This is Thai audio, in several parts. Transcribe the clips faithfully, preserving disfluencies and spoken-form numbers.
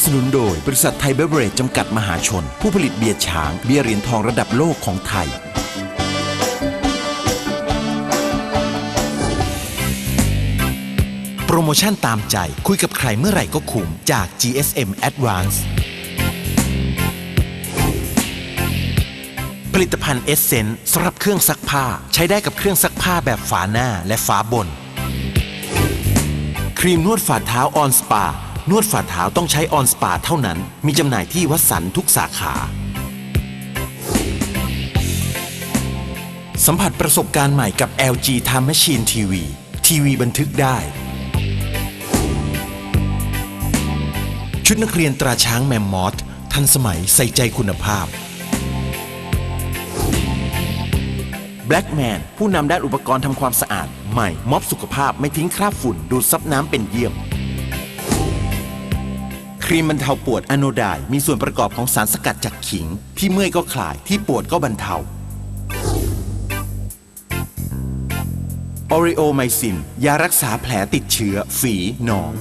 นุนโดยบริษัทไทยเบเวอเรจจำกัดมหาชนผู้ผลิตเบียร์ช้างเบียร์เหรียญทองระดับโลกของไทยโปรโมชั่นตามใจคุยกับใครเมื่อไหร่ก็คุ้มจาก จี เอส เอ็ม Advance ผลิตภัณฑ์เอสเซนส์สำหรับเครื่องซักผ้าใช้ได้กับเครื่องซักผ้าแบบฝาหน้าและฝาบนครีมนวดฝ่าเท้าออนสปานวดฝ่าเท้าต้องใช้ออนสปาเท่านั้นมีจำหน่ายที่วัดสันทุกสาขาสัมผัสประสบการณ์ใหม่กับ แอล จี Time Machine ที วี ทีวีบันทึกได้ชุดนักเรียนตราช้างแมมมอธทันสมัยใส่ใจคุณภาพ Blackman ผู้นำด้านอุปกรณ์ทำความสะอาดใหม่ม็อบสุขภาพไม่ทิ้งคราบฝุ่นดูดซับน้ำเป็นเยี่ยมครีมบรรเทาปวดอะโนไดน์มีส่วนประกอบของสารสกัดจากขิงที่เมื่อยก็คลายที่ปวดก็บรรเทาออริโอไมซินยารักษาแผลติดเชื้อฝีหนอง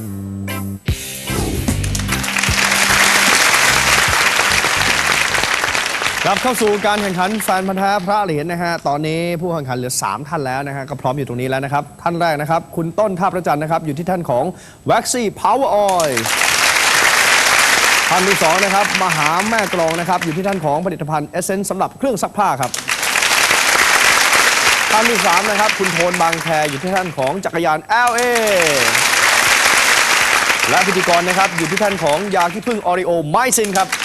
กลับเข้าสู่การแข่งขันแฟนพันธุ์แท้พระเหรียญนะฮะตอนนี้ผู้แข่งขันเหลือสามท่านแล้วนะฮะก็พร้อมอยู่ตรงนี้แล้วนะครับท่านแรกนะครับคุณต้นท่าประจันนะครับอยู่ที่ท่านของ Waxy Power Oil ท่านที่สองนะครับมหาแม่กลองนะครับอยู่ที่ท่านของผลิตภัณฑ์เอเซนส์สำหรับเครื่องซักผ้าครับท่านที่สามนะครับคุณโทนบางแคอยู่ที่ท่านของจักรยาน แอล เอ และพิธีกรนะครับอยู่ที่ท่านของยาขี้ผึ้งออริโอไมซินครับ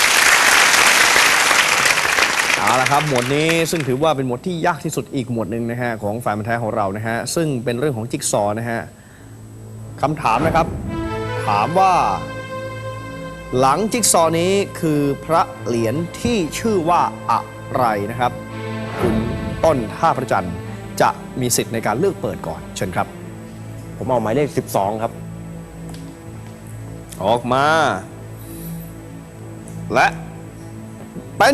เอาละครับหมวดนี้ซึ่งถือว่าเป็นหมวดที่ยากที่สุดอีกหมวดหนึ่งนะฮะของแฟนพันธุ์แท้ของเรานะฮะซึ่งเป็นเรื่องของจิ๊กซอว์นะฮะคำถามนะครับถามว่าหลังจิ๊กซอว์นี้คือพระเหรียญที่ชื่อว่าอะไรนะครับคุณต้นท่าพระจันทร์จะมีสิทธิ์ในการเลือกเปิดก่อนเชิญครับผมเอาหมายเลขสิบสองครับออกมาและเป็น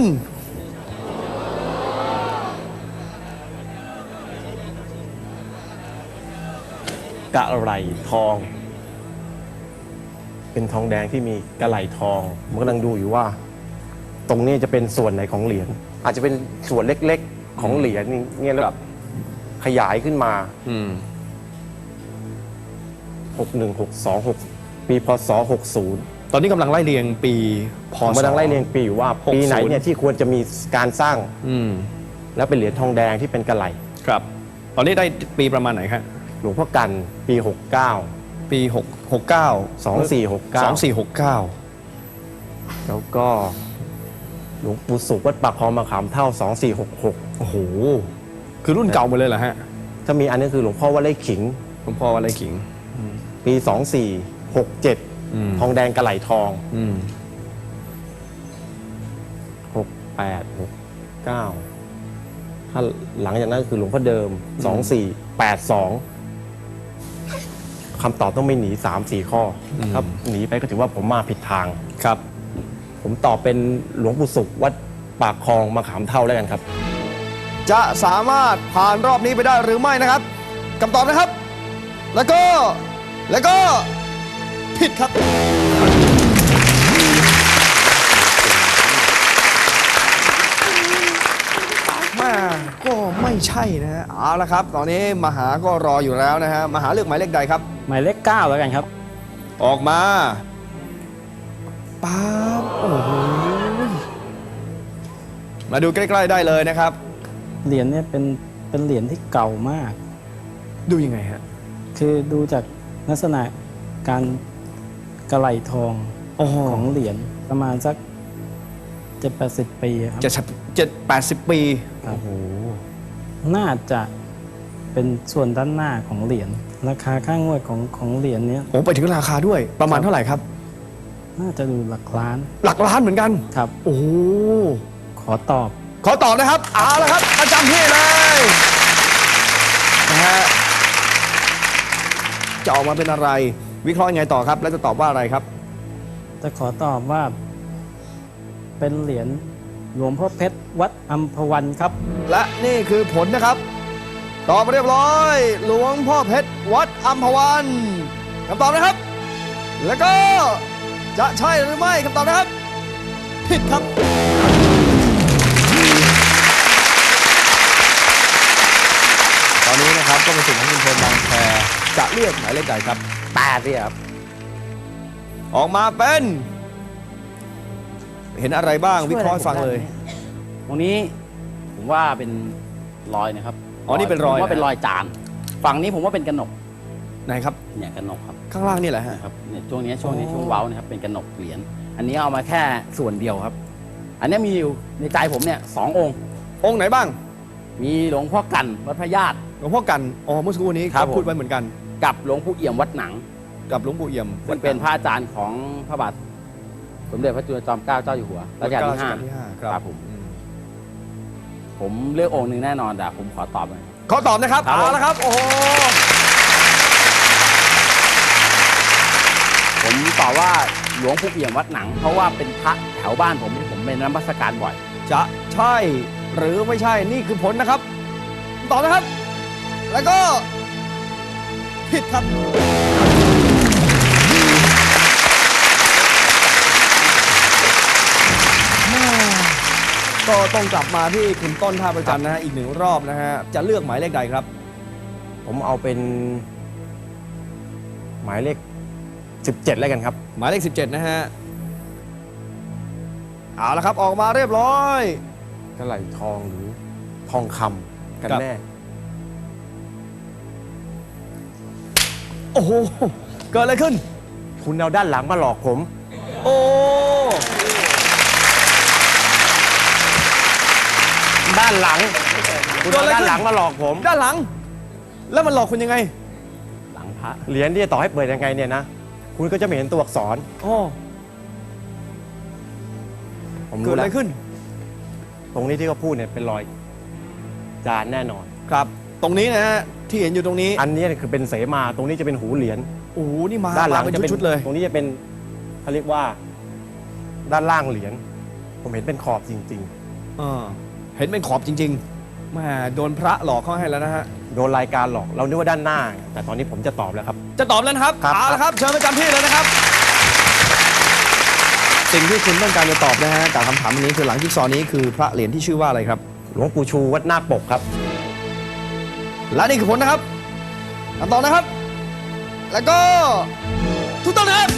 กะไหลทองเป็นทองแดงที่มีกะไหลทองผมกำลังดูอยู่ว่าตรงนี้จะเป็นส่วนไหนของเหรียญอาจจะเป็นส่วนเล็กๆของเหรียญนี่แล้วแบบขยายขึ้นมาหกหนึ่ง หกสอง หกปีพศหกสิบตอนนี้กำลังไล่เรียงปีพศผมกำลังไล่เรียงปีอยู่ว่าปีไหนเนี่ยที่ควรจะมีการสร้างแล้วเป็นเหรียญทองแดงที่เป็นกะไหลครับตอนนี้ได้ปีประมาณไหนครับหลวงพ่อกันปีหกเก้าปีหก หกเก้าสองสี่หกเก้าสองสี่หกเก้าแล้วก็หลวงปู่สุขวัดปากคลองมะขามเท่าสองสี่หกหกโอ้โหคือรุ่นเก่าหมดเลยเหรอฮะถ้ามีอันนี้คือหลวงพ่อวัดไร่ขิงหลวงพ่อวัดไร่ขิงปีสองสี่หกเจ็ดทองแดงกะไหลทองหกแปดหกเก้าถ้าหลังจากนั้นคือหลวงพ่อเดิมสองสี่แปดสองคำตอบต้องไม่หนีสามสี่ข้อครับหนีไปก็ถือว่าผมมาผิดทางครับผมตอบเป็นหลวงปู่สุขวัดปากคลองมะขามเท่าแล้วกันครับจะสามารถผ่านรอบนี้ไปได้หรือไม่นะครับคำตอบนะครับแล้วก็แล้วก็ผิดครับมาก็ไม่ใช่นะฮะเอาละครับตอนนี้มหาก็รออยู่แล้วนะฮะมหาเลือกหมายเลขใดครับหมายเลขเก้าแล้วกันครับออกมาป๊าบโอ้โหมาดูใกล้ๆได้เลยนะครับเหรียญเนี่ยเป็นเป็นเหรียญที่เก่ามากดูยังไงฮะคือดูจากลักษณะการกระไหลทองของเหรียญประมาณสักเจ็ดแปดสิบปีครับจะเจ็ดแปดสิบปีโอ้โหน่าจะเป็นส่วนด้านหน้าของเหรียญราคาค่างวดของของเหรียญนี้โอ้ไปถึงราคาด้วยประมาณเท่าไหร่ครับน่าจะดูหลักล้านหลักล้านเหมือนกันครับโอ้ขอตอบขอตอบนะครับเอาละครับประจำที่เลยนะฮะจะออกมาเป็นอะไรวิเคราะห์ยังไงต่อครับแล้วจะตอบว่าอะไรครับจะขอตอบว่าเป็นเหรียญหลวงพ่อเพชรวัดอัมพวันครับและนี่คือผลนะครับตอบเรียบร้อยหลวงพ่อเพชรวัดอัมพวันคำตอบนะครับแล้วก็จะใช่หรือไม่คำตอบนะครับ ผิดครับ ตอนนี้นะครับก็เป็นสิ่งของคุณพลบางแคจะเลือกหมายเลขใดครับแปดเนี่ยครับออกมาเป็น เห็นอะไรบ้างวิเคราะห์ให้ฟังเลยตรงนี้ผมว่าเป็นรอยนะครับอ๋อนี่เป็นรอยผมว่าเป็นนะรอยจาน ฝั่งนี้ผมว่าเป็นกระหนกไหนครับเนี่ยกระหนกครับข้างล่างนี่แหละฮะนะครับเนี่ยช่วงนี้ช่วงนี้อ๋อช่วงเว้านะครับเป็นกระหนกเหรียญ อันนี้เอามาแค่ส่วนเดียวครับ อันนี้มีอยู่ในใจผมเนี่ยสององค์องค์ไหนบ้างมีหลวงพ่อกันวัดพระญาติหลวงพ่อกัน อ๋อ เมื่อสักครู่นี้ครับก็ผมพูดไว้เหมือนกันกับหลวงปู่เอี่ยมวัดหนังกับหลวงปู่เอี่ยมซึ่งเป็นพระอาจารย์ของพระบาทสมเด็จพระจุลจอมเกล้าเจ้าอยู่หัวรัชกาลที่ห้าที่ห้าคครัรับบผมอืมผมเลือกองค์หนึ่งแน่นอนแต่ผมขอตอบเลยขอตอบนะครับครับผมเอาละครับ โอ้โหผมตอบว่าหลวงปู่เอี่ยมวัดหนัง เพราะว่าเป็นพระแถวบ้านผมที่ผมเป็นนมัสการบ่อยจะใช่หรือไม่ใช่นี่คือผลนะครับ ตอบนะครับ แล้วก็ผิดครับ ก็ต้องกลับมาที่คุณต้นท่าประจันนะฮะอีกหนึ่งรอบนะฮะจะเลือกหมายเลขใดครับผมเอาเป็น หมายเลขสิบเจ็ดแล้วกันครับหมายเลขสิบเจ็ดนะฮะเอาละครับออกมาเรียบร้อยกระไหลทองหรือทองคำกันครับแน่โอ้โหเกิดอะไรขึ้นคุณเอาด้านหลังมาหลอกผมโอ้ด้านหลัง คุณเอาเกิดอะไรด้านขึ้นหลังมาหลอกผมด้านหลัง แล้วมันหลอกคุณยังไงหลังพระเหรียญที่จะต่อให้เปิดยังไงเนี่ยนะ คุณก็จะไม่เห็นตัวอักษรโอ้ผมเกิรู้ดอะแล้ไรวขึ้นตรงนี้ที่เขาพูดเนี่ยเป็นรอยจานแน่นอนครับ ตรงนี้นะฮะที่เห็นอยู่ตรงนี้อันนี้คือเป็นเสมา ตรงนี้จะเป็นหูเหรียญโอ้โหนี่มาด้านหลังมาเป็นจะเป็นชุดๆเลยตรงนี้จะเป็นเขาเรียกว่า ด้านล่างเหรียญ ผมเห็นเป็นขอบจริงเออเห็นเป็นขอบจริงๆแหม่โดนพระหลอกเข้าให้แล้วนะฮะๆ โดนรายการหลอก เรานึกว่าด้านหน้า แต่ตอนนี้ผมจะตอบแล้วครับจะตอบแล้วนะครับครับเอาละครับ เชิญประจำที่เลยนะครับ สิ่งที่คุณต้องการจะตอบนะฮะจากคำถามนี้คือหลังจิ๊กซอว์นี้คือพระเหรียญที่ชื่อว่าอะไรครับหลวงปู่ชูวัดนาคปกครับและนี่คือผลนะครับคำตอบนะครับ แล้วก็ถูกต้องนะครับ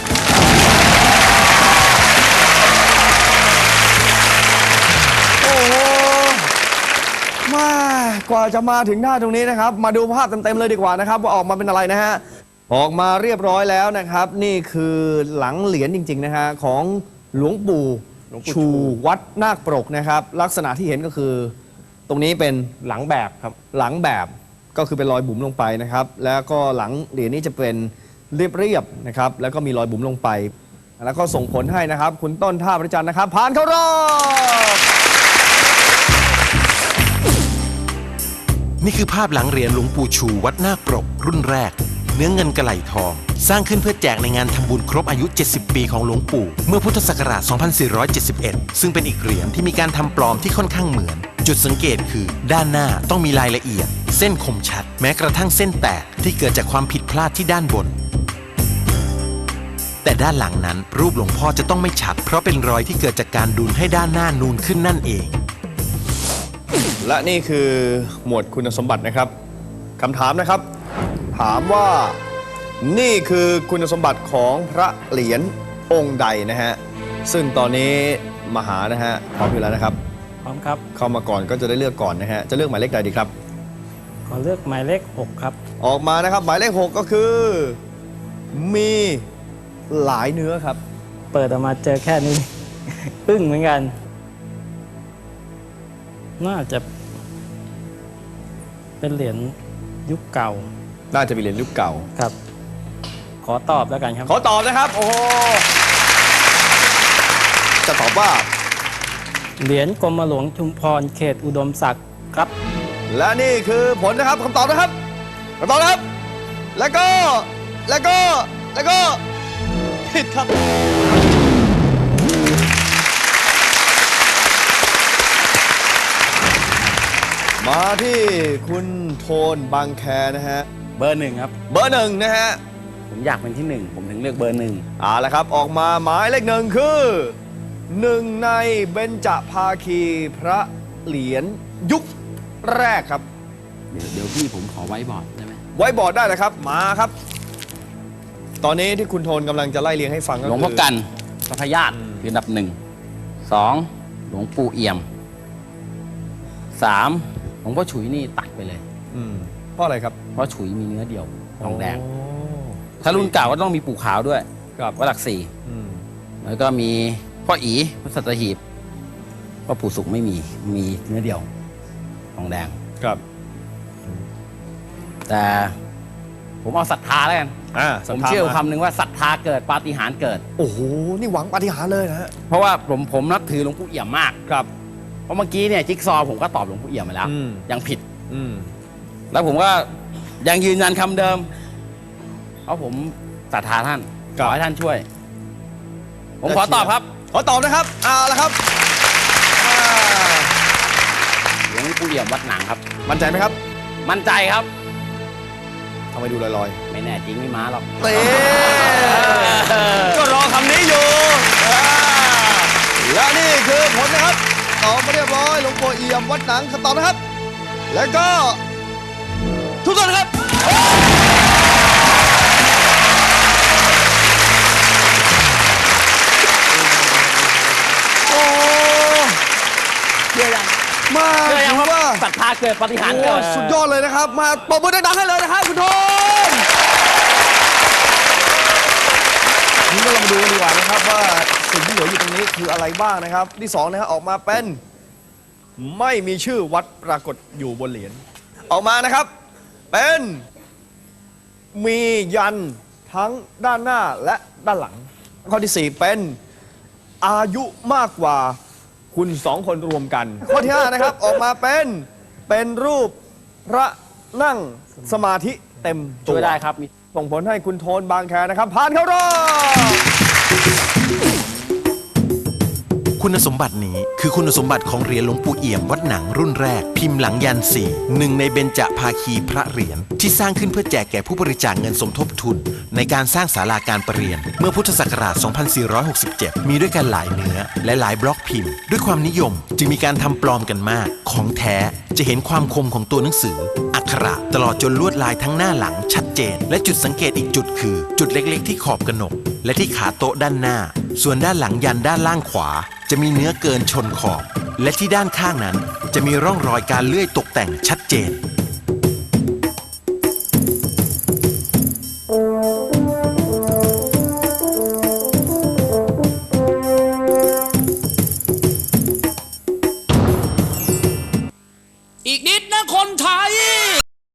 โอ้โหมากว่าจะมาถึงหน้าตรงนี้นะครับ มาดูภาพเต็มๆเลยดีกว่านะครับ ว่าออกมาเป็นอะไรนะฮะออกมาเรียบร้อยแล้วนะครับ นี่คือหลังเหรียญจริงๆนะฮะของหลวงปู่หลวงปู่ชูชูวัดนาคปรกนะครับ ลักษณะที่เห็นก็คือ ตรงนี้เป็นหลังแบบครับหลังแบบก็คือเป็นรอยบุ๋มลงไปนะครับ แล้วก็หลังเหรียญนี้จะเป็นเรียบๆนะครับ แล้วก็มีรอยบุ๋มลงไป แล้วก็ส่งผลให้นะครับ คุณต้นท่าประจันนะครับ ผ่านเข้ารอบนี่คือภาพหลังเหรียญหลวงปู่ชูวัดนาคปรกรุ่นแรก เนื้อเงินกระไหลทอง สร้างขึ้นเพื่อแจกในงานทำบุญครบอายุ เจ็ดสิบ ปีของหลวงปู่ เมื่อพุทธศักราช สองพันสี่ร้อยเจ็ดสิบเอ็ด ซึ่งเป็นอีกเหรียญที่มีการทำปลอมที่ค่อนข้างเหมือน จุดสังเกตคือ ด้านหน้าต้องมีรายละเอียด เส้นคมชัด แม้กระทั่งเส้นแตกที่เกิดจากความผิดพลาดที่ด้านบน แต่ด้านหลังนั้นรูปหลวงพ่อจะต้องไม่ชัด เพราะเป็นรอยที่เกิดจากการดูนให้ด้านหน้านูนขึ้นนั่นเองและนี่คือหมวดคุณสมบัตินะครับคำถามนะครับ ถามว่านี่คือคุณสมบัติของพระเหรียญองค์ใดนะฮะซึ่งตอนนี้มหานะฮะพร้อมอยู่แล้วนะครับพร้อมครับเข้ามาก่อนก็จะได้เลือกก่อนนะฮะจะเลือกหมายเลขใดดีครับขอเลือกหมายเลขหกครับออกมานะครับ หมายเลขหกก็คือ มีหลายเนื้อครับเปิดออกมาเจอแค่นี้ อึ้งเหมือนกัน น่าจะ เป็นเหรียญยุคเก่าน่าจะมีเหรียญยุคเก่าครับ ขอตอบแล้วกันครับขอตอบนะครับ โอ้โหจะตอบว่าเหรียญกรมหลวงชุมพรเขตอุดมศักดิ์ครับและนี่คือผลนะครับคำตอบนะครับคำตอบนะครับ แล้วก็แล้วก็แล้วก็ผิดครับ มาที่คุณโทนบางแคนะฮะเบอร์หนึ่งครับเบอร์หนึ่งนะฮะผมอยากเป็นที่หนึ่งผมถึงเลือกเบอร์หนึ่งเอาละครับ ออกมาหมายเลขหนึ่งคือหนึ่งในเบญจภาคีพระเหรียญยุคแรกครับเดี๋ยวเดี๋ยวพี่ผมขอไว้บอร์ดได้ไหมไว้บอร์ดได้เลยครับ มาครับ ตอนนี้ที่คุณโทนกำลังจะไล่เรียงให้ฟังก็หลวงคืพ่อกันพระพญาตคืออันดับหนึ่งสองหลวงปู่เอี่ยมสามหลวงพ่อฉุยนี่ตัดไปเลยอืมเพราะอะไรครับเพราะฉุยมีเนื้อเดียวทองแดงโถ้ารุ่นเก่าก็ต้องมีปู่ขาวด้วยครับวัดหลักสี่อืมแล้วก็มีพ่ออีพระสัตหีบพ่อปู่สุขไม่มีมีเนื้อเดียวทองแดงครับแต่ผมเอาศรัทธาแล้วกันอ่าผมศรัทธาเชื่อมาคำหนึ่งว่าศรัทธาเกิดปาฏิหาริย์เกิดโอ้โห นี่หวังปาฏิหาริย์เลยนะฮะเพราะว่าผมผมนับถือหลวงปู่เอี่ยมมากครับเพราะเมื่อกี้เนี่ยจิ๊กซอว์ผมก็ตอบหลวงปู่เอี่ยมมาแล้วอืมยังผิดอืมแล้วผมก็ยังยืนยันคำเดิม เพราะผมศรัทธาท่านครัขบอให้ท่านช่วย ผมขอตอบครับขอตอบนะครับเอาละครับอ่าหลวงปู่เอี่ยมวัดหนังครับมั่นใจไหมครับมั่นใจครับทำไมดูลอยไม่แน่จริงไม่มาหรอกๆเต้ก็รอคำนี้อยู่อ่าและนี่คือผลนะครับตอบมาเรียบร้อยหลวงปู่เอี่ยมวัดหนังคำตอบนะครับ แล้วก็ทุกท่านครับ โอ้เชื่อยังมาเชื่อยังถือว่าว่าศรัทธาเกิดปาฏิหาริย์โอ้เกิดสุดยอดเลยนะครับ มาปรบมือดังๆให้เลยนะครับคุณโทนนี่ก็ลองดูกันดีกว่านะครับว่าสิ่งที่เหลืออยู่ตรงนี้คืออะไรบ้างนะครับ ที่สองนะครับออกมาเป็นไม่มีชื่อวัดปรากฏอยู่บนเหรียญออกมานะครับ เป็นมียันทั้งด้านหน้าและด้านหลัง ข้อที่สี่เป็นอายุมากกว่าคุณสองคนรวมกัน ข้อที่ห้านะครับออกมาเป็นเป็นรูปพระนั่งสมาธิเต็มตัช่ววยได้ครับมีส่งผลให้คุณโทนบางแคนะครับ ผ่านเข้ารอบคุณสมบัตินี้คือคุณสมบัติของเหรียญหลวงปู่เอี่ยมวัดหนังรุ่นแรก พิมพ์หลังยันสี่หนึ่งในเบญจภาคีพระเหรียญที่สร้างขึ้นเพื่อแจกแก่ผู้บริจาคเงินสมทบทุน ในการสร้างศาลาการประเรียน เมื่อพุทธศักราช สองพันสี่ร้อยหกสิบเจ็ด มีด้วยกันหลายเนื้อและหลายบล็อกพิมพ์ ด้วยความนิยมจึงมีการทำปลอมกันมาก ของแท้จะเห็นความคมของตัวหนังสือ อักขระตลอดจนลวดลายทั้งหน้าหลังชัดเจน และจุดสังเกตอีกจุดคือ จุดเล็กๆที่ขอบกระหนก และที่ขาโต๊ะด้านหน้า ส่วนด้านหลังยันด้านล่างขวา จะมีเนื้อเกินชนขอบ และที่ด้านข้างนั้นจะมีร่องรอยการเลื่อยตกแต่งชัดเจนอีกนิดนะคนไทย